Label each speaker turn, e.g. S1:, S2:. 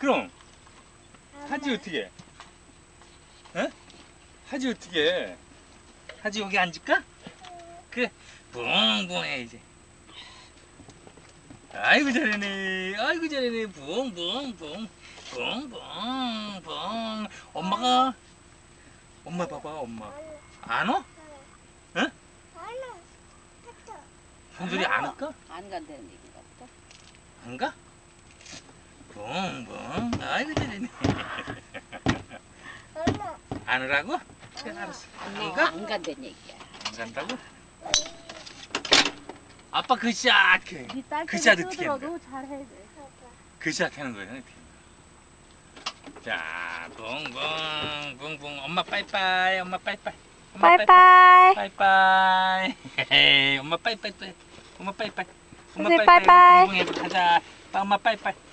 S1: 그럼 하지 어떻게? 어? 하지 어떻게? 하지 여기 앉을까? 그래, 붕붕해 이제. 아이고 잘하네, 아이고 잘하네, 붕붕붕, 붕붕붕. 엄마 봐봐, 엄마. 안 와? 응? 현솔이 안 올까?
S2: 안 간다는 얘기가 없다.
S1: 안 가? 붕붕, 아이고 잘하네. 안 오라고? 그래, 알았어. 안 가?
S2: 안 간다는 얘기야.
S1: 안 간다고? 아빠 그 시작해. 그 시작 어떻게 하는 거야?
S3: 잘해 돼.
S1: 그 시작하는 거야. 어떻게. 자, 붕붕 붕붕. 엄마 빠이빠이. 엄마 빠이빠이. 엄마
S3: 빠이빠이.
S1: 빠이빠이. 헤헤. 엄마 빠이빠이. 엄마 빠이빠이. 엄마
S3: 선생님,
S1: 빠이빠이.
S3: 빠이빠이.
S1: 붕붕 해보 가자. 엄마 빠이빠이.